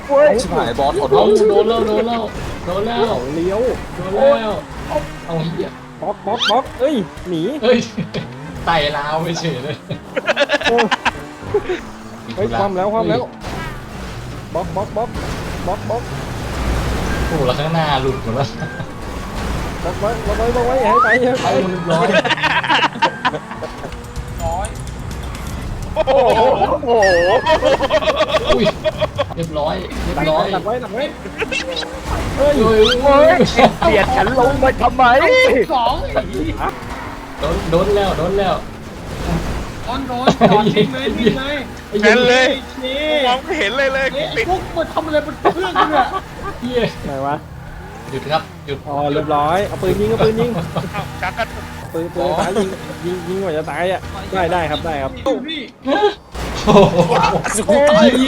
โอ้ยชิบหายบอสขอโทเอาษโดนแล้วโดนแล้วโดนแล้วเลี้ยวโดนแล้วเอาเหี้ยบล็อกบล็อกบล็อกเอ้ยหนีเฮ้ยไต่ลาวไปเฉยเลยเออเฮ้ยความแล้วบล็อกบล็อกบล็อกบล็อกบล็อกโอ้โหแล้วข้างหน้าหลุดหมดแล้วบล็อกไว้บล็อกไว้บล็อกไว้อย่าให้ไปอย่าเอาให้ไปเรียบร้อยโอ้โหอุ้ยเรียบร้อยเรียบร้อยตัดไว้ตัดไว้เฮ้ยเฮ้ยเฮ้ยเบียดฉันลงมาทำไมสองโดนแล้วโดนแล้วโดนจอดทิ้งเลยทิ้งเลยแค่เลยนี่มองไม่เห็นเลยเลยไอ้ติดพวกมันทำอะไรบนเครื่องเนี่ยเหี้ยไหนวะหยุดครับหยุดอ๋อเรียบร้อยเอาปืนยิงเอาปืนยิงชักกันปืนตายยิงกว่าจะตายอ่ะได้ครับได้ครับพี่โอ้โห